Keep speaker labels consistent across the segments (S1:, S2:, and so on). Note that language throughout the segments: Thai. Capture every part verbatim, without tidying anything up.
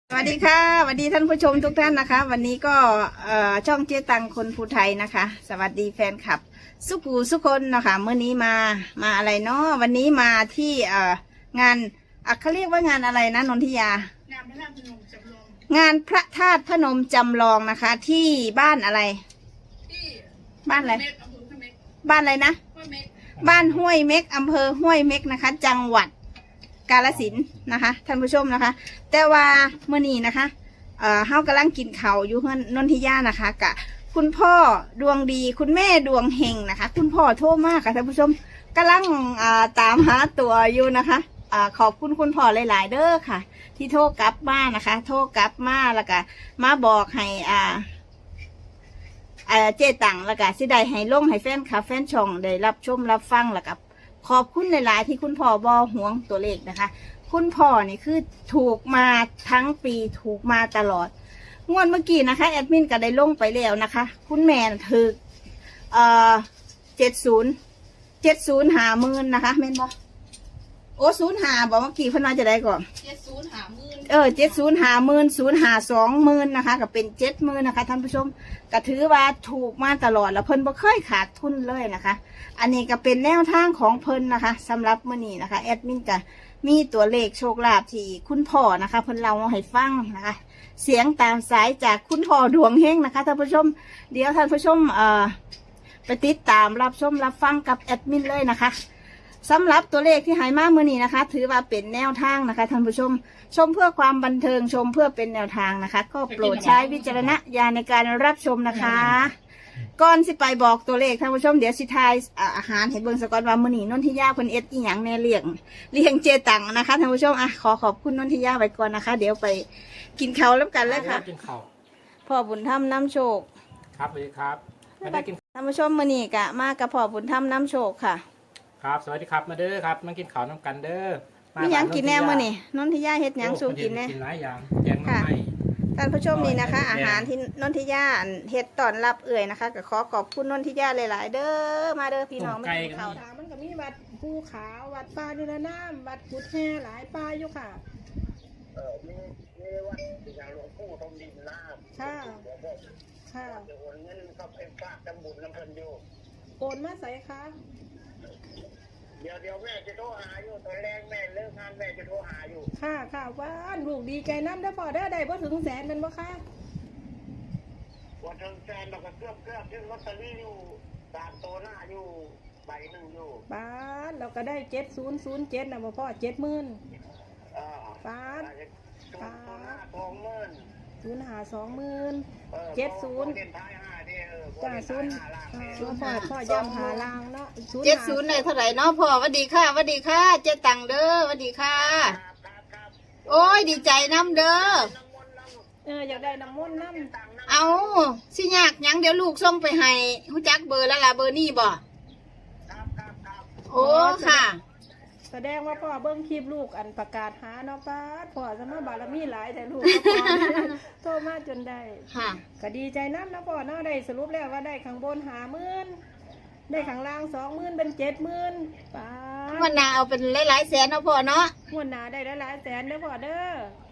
S1: สวัสดีค่ะสวัสดีท่านผู้ชมทุกท่านนะคะ วันนี้ก็ช่องเจ๊ตังคนภูไทยนะคะ สวัสดีแฟนคลับสุขูสุคนนะคะเมื่อนี้มามาอะไรเนาะวันนี้มาที่งานเขาเรียกว่างานอะไรนะนนทิยางานพระธาตุพนมจำลองงานพระธาตุพนมจำลองนะคะ ที่บ้านอะไรที่บ้านอะไรบ้านอะไรนะบ้านห้วยเม็กอำเภอห้วยเม็กนะคะ จังหวัดกาฬสินธุ์นะคะท่านผู้ชมนะคะแต่ว่าเมื่อนี้นะคะเอ่อเฮากำลังกินข้าวอยู่เฮือนนนทิยานะคะกะคุณพ่อดวงดีคุณแม่ดวงเฮงนะคะคุณพ่อโทรมากค่ะท่านผู้ชมกำลังอ่าตามหาตัวอยู่นะคะอ่าขอบคุณคุณพ่อหลายๆเด้อค่ะที่โทรกลับมานะคะโทรกลับมาแล้วก็มาบอกให้อ่าอ่าเจ๊ตังแล้วก็สิได้ให้ลงให้แฟนคลับแฟนช่องได้รับชมรับฟังแล้วก็ขอบคุณหลายๆที่คุณพ่อบอห่วงตัวเลขนะคะคุณพ่อนี่คือถูกมาทั้งปีถูกมาตลอดงวดเมื่อกี้นะคะแอดมินก็ได้ลงไปแล้วนะคะคุณแม่ถือเอ่อเจ็ดศูนย์เจ็ดศูนย์หาหมื่นนะคะแม่นบอโอ้ศูนย์หาบอกเมื่อกี้เพิ่นว่าจะได้ก่อนเจ็ดศูนย์หาหมื่นเออเจ็ดศูนย์หาหมื่นศูนย์หาสองหมื่นนะคะก็เป็นเจ็ดหมื่นนะคะท่านผู้ชมก็ถือว่าถูกมาตลอดแล้วเพิ่นบ่เคยขาดทุนเลยนะคะอันนี้ก็เป็นแนวทางของเพิ่นนะคะสำหรับมื้อนี้นะคะแอดมินก็มีตัวเลขโชคลาภที่คุณพ่อนะคะเพิ่นเล่าให้ฟังนะคะเสียงตามสายจากคุณพ่อดวงเฮงนะคะท่านผู้ชมเดี๋ยวท่านผู้ชมเอ่อไปติดตามรับชมรับฟังกับแอดมินเลยนะคะสำหรับตัวเลขที่หายมาเมื่อนี้นะคะถือว่าเป็นแนวทางนะคะท่านผู้ชมชมเพื่อความบันเทิงชมเพื่อเป็นแนวทางนะคะก็โปรดใช้วิจารณญาณในการรับชมนะคะก่อนสิไปบอกตัวเลขท่านผู้ชมเดี๋ยวสิทายอาหารเห็นเบิ่งสกอนว่ามื้อนี้นนทิยาเพิ่นเอ็ดอีหยังแน่เลี้ยงเลี้ยงเจตังนะคะท่านผู้ชมอ่ะขอขอบคุณนนทิยาไว้ก่อนนะคะเดี๋ยวไปกินข้าวแล้วกันเลยค่ะ
S2: กินข้าว
S1: พ่อบุญธรรมน้ำโชค
S2: ครับสวัสดีครับมาได้กิน
S1: ท่านผู้ชมมื้อนี้กะมากับพ่อบุญธรรมน้ำโชคค่ะ
S2: ครับสวัสดีครับมาเด้อครับมากินข้าวน้ำกันเด้อ
S1: มีหยังกินแน่มื้อนี้นนทิยาเฮ็ดหยังสู่กินแน่
S2: กินหลายอย่างแกงน้ำไม้
S1: ท่านผู้ชมนี่นะคะอาหารที่นนทิยาเฮ็ดต้อนรับเอื่อยนะคะก็ขอขอบคุณนนทิยาหลายๆเด้อมาเด้อพี่น้อง
S2: มากินข้าว
S3: มันก็มีวัดภูขาววัดป่านิรนามวัดกุดแห่หลายป่าอยู่ค่ะ
S4: เออมีมีวัดอย่างหลวงปู่ทองดินน้ำ
S3: ค่ะค่ะ
S4: จะโอนเงินเข้าไปฝากตำบุญน้ำเพลินอยู่
S3: โอนมาใส่ค่ะ
S4: เดี๋ยวเดี๋ยวแม่จะโทรหาอยู่ตอนแรกแม่เลิกงานแม่จะโทรหาอยู่
S3: ค่ะค่ะว่านลูกดีใจน้ำได้พอได้ได้บ่ถึงแสนเป็นบ่ค่ะ
S4: วันถึงแสนเราก็เกือบเกือบที่ลอตเตอรี่อยู่ตามโตหน้าอยู่ใบหนึ่งอยู่
S3: ป้าเราก็ได้เจ็ดศูนย์ศูนย์เจ็ดนะพ่อเจ็ดหมื่นป้า
S4: ป้าสองหมื่น
S3: ศูนย์หาสองหมื่นเจ็ดศูนย์จ้าศูนย์ศูนย์พ่อพ่อย่ำหาลางเนาะ
S1: เจ็ดศูนย์เลยเท่าไหร่เนาะพ่อสวัสดีค่ะสวัสดีค่ะเจ๊ตังเด้อสวัสดีค่ะโอ้ยดีใจน้ำเด้อ
S3: เอออยากได้น้ำมนต์น้ำ
S1: เอาสิยากยังเดี๋ยวลูกส่งไปให้ฮู้จักเบอร์แล้วล่ะเบอร์นี่บ่โอ้ค่ะ
S3: แสดงว่าพ่อเบิ้งคลิปลูกอันประกาศหาเนาะป้าพ่อสมบารมีหลายแต่ลูกก็พอโตมาจนได้
S1: ค่ะ
S3: ก็ดีใจน้ำนะพ่อเนาะได้สรุปแล้วว่าได้ข้างบนหาหมื่นได้ข้างล่างสองหมื่นเป็นเจ็ดหมื่นป้า
S1: วันหน้าเอาเป็นหลายๆแสนเนาะพ่อเนาะ
S3: วันหน้าได้หลายๆแสนเด้อพ่อเด้อ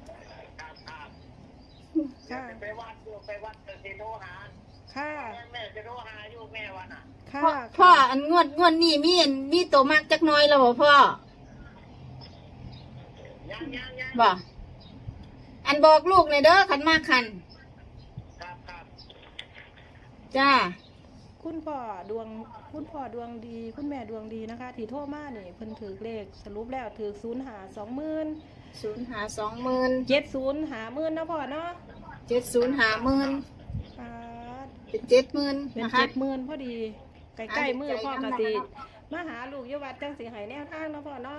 S4: ค่ะไปวัดอยู่ไปวัดจะโทรหา
S3: ค่ะ
S4: แม่จะโทรหาอยู่แม่วันน่ะ
S1: พ่อพ่ออันงวดงวดนี่มีมีโตมากจักน้อยแล้วบ่พ่อ
S4: ยังยังยัง
S1: บ่อันบอกลูกเลยเด้อขันมากขัน
S4: ครับครับ
S1: จ้า
S3: คุณพ่อดวงคุณพ่อดวงดีคุณแม่ดวงดีนะคะที่โทรมานี่เพิ่นถือเลขสรุปแล้วถือศูนย์หาสองหมื่น
S1: ศูนย์หาสองหมื่น
S3: เจ็ดศูนย์หาหมื่นนะพ่อเนาะ
S1: เจ็ดศูนย์หาหมื่นเป็นเจ็ดหมื่น
S3: เป็นเจ็ดหมื่นพอดีใกล้ๆมือพ่อกะสิมาหาลูกยวัดจังสีหายแนวทางนะพ่อเนาะ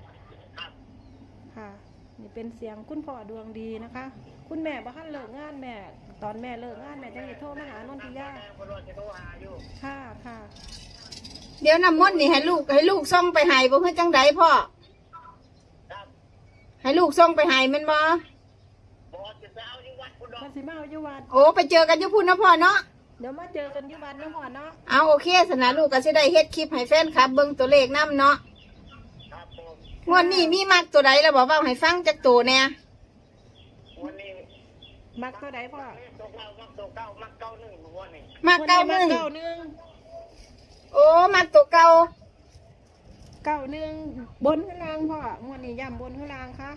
S3: ค่ะนี่เป็นเสียงคุณพ่อดวงดีนะคะคุณแม่บ้านเลิกงานแม่ตอนแม่เลิกงานแม่จะโทรมาหานนทิยาค่ะค่ะ
S1: เดี๋ยวน้ำมนต์นี่ให้ลูกให้ลูกส่งไปให้บ่คือจังไดพ่อให้ลูกส่งไปให้แม่นบ่
S3: มันสิมาเอาอยู่วัด
S1: โอ้ไปเจอกันอยู่พุ่นนะพ่อเนาะ
S3: เดี๋ยวมาเจอกันอยู่วัดนะพ่อเนาะ
S1: เอาโอเคสนะลูกก็สิได้เฮ็ดคลิปให้แฟนครับเบิ่งตัวเลขนำเนาะงวดนี้มีมากตัวใดแล้วบอกว่าให้ฟังจักตัวแน่
S4: วันนี้
S3: มักตัวใดพ่อ
S4: ตัวเก้ามักตัวเก้ามักเก้าหนึ่งหัวนี่
S1: มาเก้าหนึ่ง
S3: เก้าหนึ่ง
S1: โอ้มาตัวเก่า
S3: เก้าหนึ่งบนข้างล่างพ่องวดนี้ย่ำบนข้างล่างคะ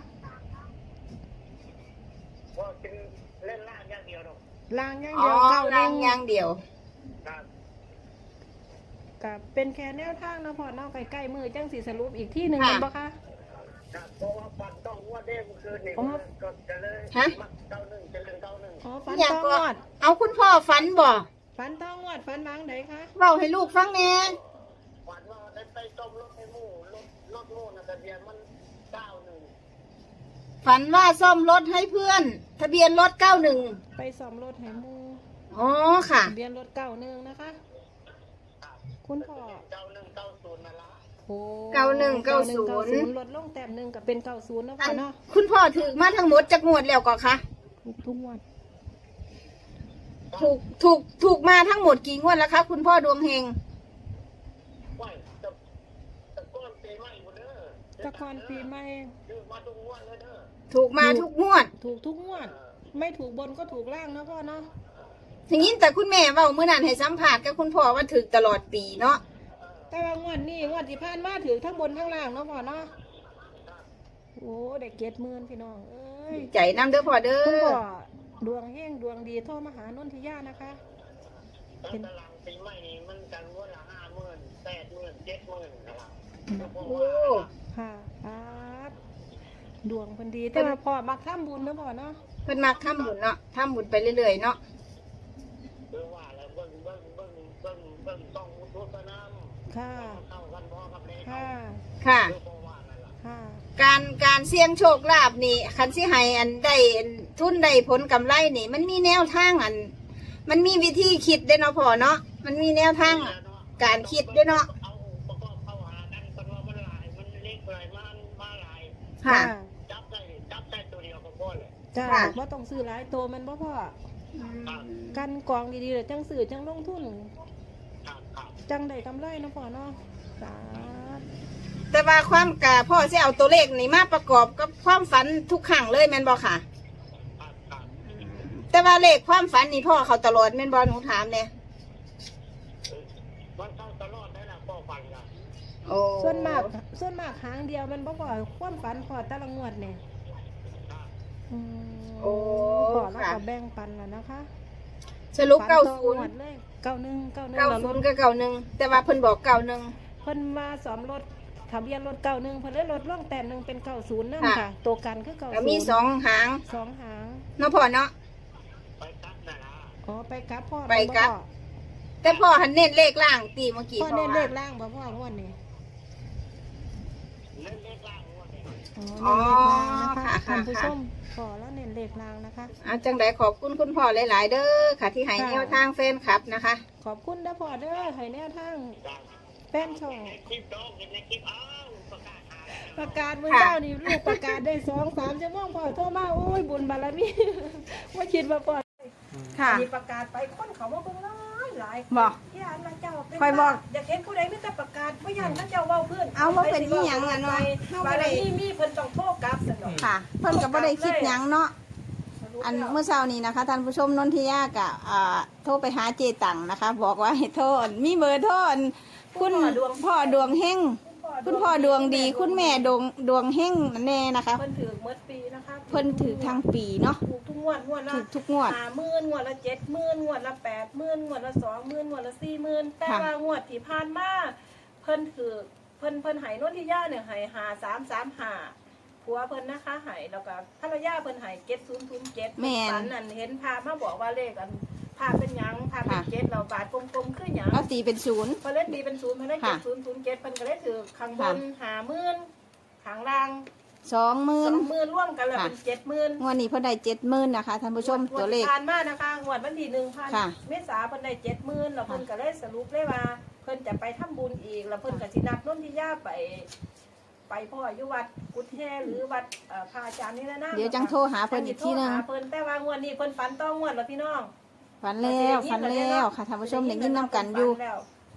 S4: ว่าเป็นเล่นล่างอย่างเดียวหรอก
S3: ล่างอย่าง
S1: อ๋อ
S3: เดียวเก้าห
S1: ล่า
S3: นึ่
S1: ง
S3: ง
S1: อย่างเดียว
S4: ครับ
S3: กับเป็นแค่แนวทางนะพ่อเนอกใกล้ๆมือจังสีสรุปอีกที่หนึ่ง
S1: ค่ะ
S3: เห็นปะคะ
S4: ครับเพราะว่าปันต้องว่าเด้งคืนนี่
S3: อ๋อ
S4: ก็จะเลย
S1: ฮะ
S4: มักเก้าหนึ่งจะเล่นเก้าหนึ่ง
S3: อ๋อฟัน
S1: อยาก
S3: ต้อง
S1: ก็
S3: งวด
S1: เอาคุณพ่อฝันบ่
S3: ฟันต้องงวดฟันล้างไหนคะ
S1: เว้าให้ลูกฟังแหน่
S4: ฝันว่าได้ไปต้มรถให้หมู่รถรถหมู่นะทะเบียนมันเก้าหนึ่ง
S1: ฝันว่าซ่อมรถให้เพื่อน ทะเบียนรถเก้าหนึ่ง
S3: ไปซ่อมรถให้หมู
S1: อ๋อค่ะ
S3: ทะเบียนรถเก้าหนึ่งนะคะ คุณพ่อ
S4: เก้าหนึ่งเก้าศูนย์นั่นละ
S3: โอ้
S1: เก้าหนึ่งเก้าศูนย์
S3: ลดลงแต้มหนึ่งกับเป็นเก้าศูนย์นะ
S1: อั
S3: พ่อน เนาะ
S1: คุณพ่อถือมาทั้งหมดจากงวดแล้วก็คะ
S3: ถูกทุกงวด
S1: ถูกถูกถูกมาทั้งหมดกี่งวดแล้วคะคุณพ่อดวงเฮง
S4: ว่าจะจะก้อนปีใหม่หมดเด้อ
S3: ตะกอนปีใหม่
S4: คือมาทุกงวดเลยเด้อ
S1: ถูกมาทุกงวด
S3: ถูกทุกงวด ไม่ถูกบนก็ถูกล่างนะพ่อเนาะ
S1: ทีนี้แต่คุณแม่เว้าเมื่อนั้นให้สัมผัสกับคุณพ่อว่าถึกตลอดปีเนาะ
S3: แต่ว่างวดนี้งวดที่ผ่านมาถือทั้งบนทั้งล่างเนาะพ่อเนาะโอ้ได้เกียรติหมื่นพี่น้องเอ้ย
S1: ใจน้ำเด้อพ่อเด้
S3: คุณ
S1: อ
S3: พ่อดวงเฮงดวงดีโทรมาหานนทิยานะคะ
S4: แล้วตารางปีใหม่นี้มันกันงวดละห้าหมื่นแปดหมื่นเจ็ดหมื่นนะครับ
S1: โอ้
S3: ค่ะครับดวงเพิ่นดีแต่ว่าพ่อมักทำบุญเนาะพ่อเนาะ
S1: เพิ่นมักทำบุญเนาะทำบุญไปเรื่อยๆเนาะ
S4: เรื่องว่าแล้วเบิ้งเบิ้งเบิ้งเบิ้งเบิ้งต้องมุทุตน้ำ
S3: ค่ะ
S4: เข้ากันพ่อกับแม่
S3: ค่ะ
S1: ค่ะ
S4: เรื่องว่านั่นแหละ
S3: ค่ะ
S1: การการเสี่ยงโชคลาภนี่คันสิให้อันได้ทุนได้ผลกำไรนี่ มันมีแนวทางอัน มันมีวิธีคิดเด้เนาะพ่อเนาะมันมีแนวทางการคิดเด้เนาะ
S4: เอาประกอบเข้าหากันคนว่ามันหลายมันเล็กหลายมันมาหลาย
S1: ค่ะ
S4: จับได้จับได้ตัวเดียวก็พอเลย
S3: จ้า
S1: ค่ะ
S3: ว่าต้องซื้อหลายตัวแมันบ่พ่อ
S1: อืม
S3: กันกองดีๆเลยจังซื้อจังลงทุน
S4: ครับครับ
S3: จังได้กำไรเนาะพ่อเนาะสาธุ
S1: แต่ว่าความกะพ่อสิเอาตัวเลขนี่มาประกอบกับความฝันทุกครั้งเลยแม่นบ่ค่ะ
S4: ครับครับ
S1: แต่ว่าเลขความฝันนี่พ่อเขาตลอดแม่นบ่หนูถามเนี่ย
S4: มันเข้าตลอดได้ละพ่อฟันละ
S1: โอ้
S3: ส่วนมากส่วนมากหางเดียวแมันบ่พ่อความฝันพ่อแต่ละงวดเนี่ย
S4: ครับ
S3: อืม
S1: โอ้
S3: พ่อแล้ว
S1: ค่ะ
S3: ก็แบ่งปันแล้วนะคะ
S1: สรุป
S3: ฝั
S1: เก้า
S3: ต่อ
S1: ศูนย์
S3: งวดเลยเก้าหนึ่งเก้าหนึ่ง
S1: เก้า
S3: แล้ว
S1: ศู
S3: ร
S1: น
S3: ถ
S1: ย์กับเก้าหนึ่งแต่ว่าเพิ่นบอกเก้าหนึ่ง
S3: เพิ่นมาสอมรถทะเบียนรถเก้าหนึ่งเพิ่นเลยรถล่องแต้มหนึ่งเป็นเก้าศูนย์นั่น
S1: ค่ะ
S3: ค่ะ ตัวกันคือเก้าศูนย์
S1: แล้วมีสองหาง
S3: สองหาง
S1: เนาะพ่อเนาะ
S4: ไปตัดนะนะ
S3: อ๋อไปกลับพ่อ
S1: ไปกลับ แต่พ่อหันเน้นเลขล่างตีเมื่อกี้
S3: พ่อ
S1: พ่อ
S3: เน้นเล
S1: ว่า
S3: ขล่างบ่พ่องวดนี้
S4: เล่นเล็กล่างงวดนี้
S3: อ๋อเน้นเลขล่างนะคะ
S1: ค่ะ
S3: ท่านผู้
S1: ค่ะ
S3: ชมขอแล้วเน้นเลขล่างนะคะ
S1: อ่ะจังไดขอบคุณคุณพ่อหลาย ๆ เด้อค่ะ ที่ให้
S3: ค่ะ
S1: แนวทางแฟนคลับนะคะ
S3: ขอบคุณนะพ่อเด้อให้แนวทาง
S4: จ้ะ
S3: แฟนช่อง
S4: ในคลิปดอกในคลิปอ้าวประกาศหา
S3: ประกาศมือ
S1: ค่ะ
S3: เจ้านี่ลูกประกาศได้สองสามชั่วโมงพ่อโทรมาโอ้ยบุญบารมี ว่าคิดว่าพ่อ
S1: ค่ะ
S3: มีประกาศไปคนเขาว่าเบิ่งหลายหลาย
S1: บอก
S3: ย่านนะเจ้าเป็น
S1: ค่อยบอก
S3: อยากเห็นผู้ใดไม่แต่ประกาศว่าย่านเขาเจ้าเว้าเพื่อน
S1: เอาว่าเป็นอีหยังอะเนาะ
S3: บารมีมีเพิ่นต้องโทรกลับสนอง
S1: ค่ะ เพิ่นก็บ่ได้คิดหยังเนาะ อันเมื่อเช้านี้นะคะท่านผู้ชมนนทิยากะอ่าโทรไปหาเจตังนะคะ บอกว่าให้โทษมีเบอร์โทษคุณพ่อดวงเฮงคุณพ่อดวงดี คุณแม่ดวงดวงเฮงนั่นแน่นะคะ
S3: เพิ่นถือเมื่อปีนะคะ
S1: เพิ่นถือทางปีเนาะ
S3: ถูกทุกงวดงวดละ
S1: ถือทุกงวด
S3: ห้าหมื่นงวดละเจ็ดหมื่นงวดละแปดหมื่นงวดละสองหมื่นงวดละสี่หมื่นแต่
S1: ค่ะ
S3: ว่างวดที่ผ่านมาเพิ่นถือเพิ่นเพิ่นใหายนวดที่ย่าเนี่ยใหายหาสามสามหาผัวเพิ่นนะคะใหายแล้วก็ภรรยาเพิ่นใหายเจ็ดศูนย์ศูนย์เจ็ด
S1: แม่น
S3: ฝันนั่นเห็นพามาบอกว่าเลขอันพาเป็นหยังพาเป็น
S1: ค่ะ
S3: เจ็ดเราบาทกลมๆคือหยัง
S1: เอาตีเป็นศูนย์
S3: เพิ่นเล่นดีเป็นศูนย์เพิ่นได้เจ็
S1: ค่ะ
S3: ดศูนย์ศูนย์เจ็ดเพิ่นก็ได้ถือข้างบน
S1: ค่ะ
S3: หาหมื่นข้างล่าง
S1: สองหมื่
S3: ส
S1: น
S3: องหมื่นร่วมกันแล้ว
S1: ค่ะ
S3: เป็นเจ็ดหมื่น
S1: งวดนี้เพิ่นได้เจ็ดหมื่นนะคะท่านผู้ชมตัวเลข
S3: ผ่านมานะคะงวดวันที่หนึ่งพัน
S1: ค่ะ
S3: เมษาเพิ่นได้เจ็ดหมื่นแล้วเพิ่นก็เลยสรุปเลยว่า เพิ่นจะไปทำบุญอีกแล้วเพิ่นก็สินัดนนทิยาไป ไปพ่ออยู่วัดกุดแฮหรือวัดเอ่อพระอาจารย์นี่แหละนะ
S1: เดี๋ยวจังโทรหาเพิ่นอีกทีหนึง
S3: จัสิโทรหาเพิ่นแต่ว่างวดนี้เพิ่นฝันต้องงวดแล้วพี่น้อง
S1: ฝันแล้วฝันแล้วค่ะท่านผู้ชมได้ยินนํกันอยู่
S3: ฝัแล้ว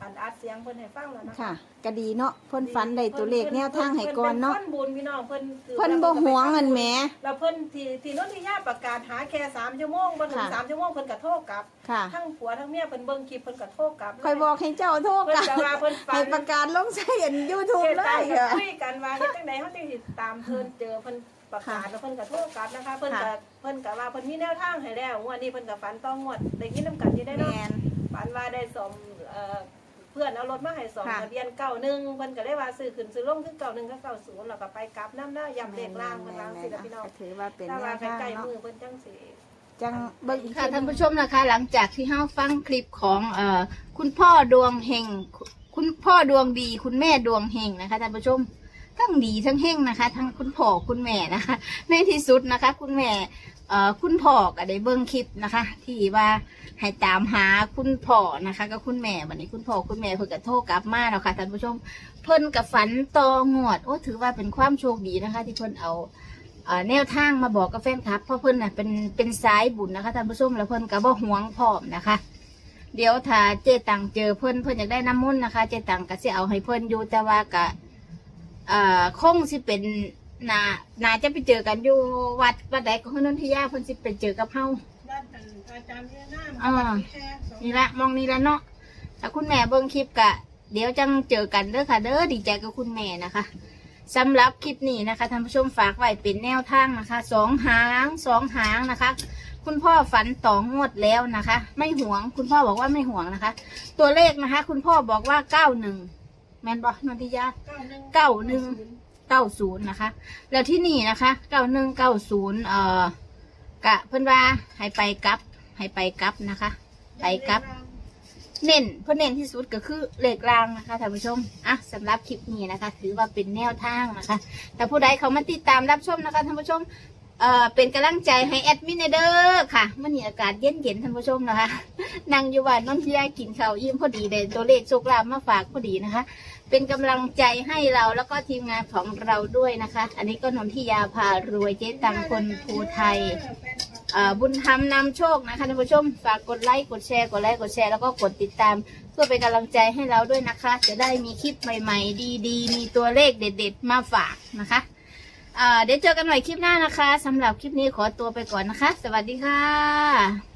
S3: อันอัดเสียงเพิ่นให้ฟังแล้วนะคะ
S1: ค่ะก็ดีเนาะเพิ่นฝันได้ตัวเลขแนวทางให้ก่อนเนาะ
S3: เพิ่นเป็นคนบุญพี่น้องเพิ่นถือ
S1: เพิ่นบ่หวงเงินแหม
S3: แล้วเพิ่นที่ที่โนนทิยาประกาศหาแค่สามชั่วโมงบ่ถึง
S1: ค่ะ
S3: สามชั่วโมงเพิ่นก็โทรกลับ
S1: ค่ะ
S3: ทั้งผัวทั้งเมียเพิ่นเบิ่งคลิปเพิ่นก็โทรกลับ
S1: คอยบอกให้เจ้าโทษ
S3: เพิ่น
S1: กัน
S3: จะว่าเพิ่นฝั
S1: ให้
S3: น
S1: ประกาศลงใส่อัน YouTube
S3: เฮ็ด
S1: เล
S3: ตาม
S1: ย
S3: กัน
S1: ค่ะ
S3: คุยกันว่าเฮ็ดจังได๋เฮาจึงสิตามเพิ่นเจอเพิ่นประกาศแล้วเพิ่นก็โทรกลับนะคะ เพิ่นก็
S1: ค่ะ
S3: เพิ่นก็ว่าเพิ่นมีแนวทางให้แล้วงวดนี้เพิ่นก็ฝันต้องงวดได้ยินนํกันอยู่ได้
S1: แม
S3: เนาะ
S1: น
S3: ฝันว่าได้สมเอ่อเพื่อนเอารถมาให้สอง
S1: ค่ะ
S3: ทะเบียนเก้าหนึ่งเพิ่นก็ได้ว่าซื้อขึ้นซื้อลงคือเก้าหนึ่งกับเก้าศูนย์แล้วก็ไปกลับน้ำหน้าย่ำเลขล่างเพิ่นวางสิล่ะพี่น้อง
S1: ก็ถือว่าเป็น
S3: ถ้า
S1: แน
S3: ว่าว
S1: ทาง
S3: ใกล้ๆ
S1: เนาะ
S3: มือเพิ่นจังสิ
S1: จังเบิ่งค่ะท่านผู้ชมนะคะ หลังจากที่เฮาฟังคลิปของเอ่อคุณพ่อดวงเฮงคุณพ่อดวงดี คุณแม่ดวงเฮงนะคะท่านผู้ชมทั้งดีทั้งเฮงนะคะ ทั้งคุณพ่อคุณแม่นะคะ ในที่สุดนะคะ คุณแม่เอ่อคุณพ่อก็ได้เบิ่งคลิปนะคะ ที่ว่าให้ตามหาคุณพ่อนะคะกับคุณแม่วันนี้คุณพ่อคุณแม่เพิ่นก็โทรกลับมาแล้วค่ะท่านผู้ชมเพิ่นกับฝันต่องวดโอ้ถือว่าเป็นความโชคดีนะคะ ที่เพิ่นเอา เอ่อแนวทางมาบอกกับแฟนคลับเพราะเพิ่นน่ะเป็นเป็นสายบุญนะคะท่านผู้ชมแล้วเพิ่นก็บ่หวงพร้อมนะคะ เดี๋ยวถ้าเจตังเจอเพิ่นเพิ่นอยากได้น้ำมนต์นะคะ เจตังก็สิเอาให้เพิ่นอยู่แต่ว่าก็เอ่อคงสิเป็นนานาจะไปเจอกันอยู่วัดวัดใดก็นนทิยาเพิ่นสิไปเจอกับเฮา
S3: ด้านอาจารย์เนี่ยน้ำ
S1: อ่า นี่ละมองนี่ละเนาะถ้าคุณแม่เบิ่งคลิปกะ เดี๋ยวจังเจอกันเด้อค่ะ เด้อดีใจกับคุณแม่นะคะสำหรับคลิปนี้นะคะท่านผู้ชมฝากไว้เป็นแนวทางนะคะสองหางสองหางนะคะ คุณพ่อฝันต่องวดแล้วนะคะ ไม่หวง คุณพ่อบอกว่าไม่หวงนะคะ ตัวเลขนะคะ คุณพ่อบอกว่าเก้าหนึ่งแมนบอนนทิยา เก้าหนึ่ง เก้าศูนย์นะคะ แล้วที่นี่นะคะเก้าหนึ่งเก้าศูนย์เอ่อกะเพิ่นว่าให้ไปกลับให้ไปกลับนะคะ ไปกลับ เน้นเพื่อเน้นที่สุดก็คือเลขรางนะคะท่านผู้ชมอ่ะสำหรับคลิปนี้นะคะ ถือว่าเป็นแนวทางนะคะ แต่ผู้ใดเขามาติดตามรับชมนะคะท่านผู้ชมเอ่อเป็นกำลังใจให้แอดมินเด้อค่ะเมื่อนี้อากาศเย็นเย็นๆท่านผู้ชมนะคะ นั่งอยู่บ้านนนทิยากินข้าวยิ้มพอดีเลยตัวเลขโชคลาภมาฝากพอดีนะคะ เป็นกำลังใจให้เราแล้วก็ทีมงานของเราด้วยนะคะ อันนี้ก็นนทิยาพารวยเจ๊ตังคนภูไทย เอ่อบุญธรรมนำโชคนะคะท่านผู้ชมฝากกดไลค์กดแชร์กดไลค์กดแชร์แล้วก็กดติดตามเพื่อเป็นกำลังใจให้เราด้วยนะคะ จะได้มีคลิปใหม่ๆ ดีๆ มีตัวเลขเด็ดๆมาฝากนะคะเอ่อเดี๋ยวเจอกันใหม่คลิปหน้านะคะสำหรับคลิปนี้ขอตัวไปก่อนนะคะ สวัสดีค่ะ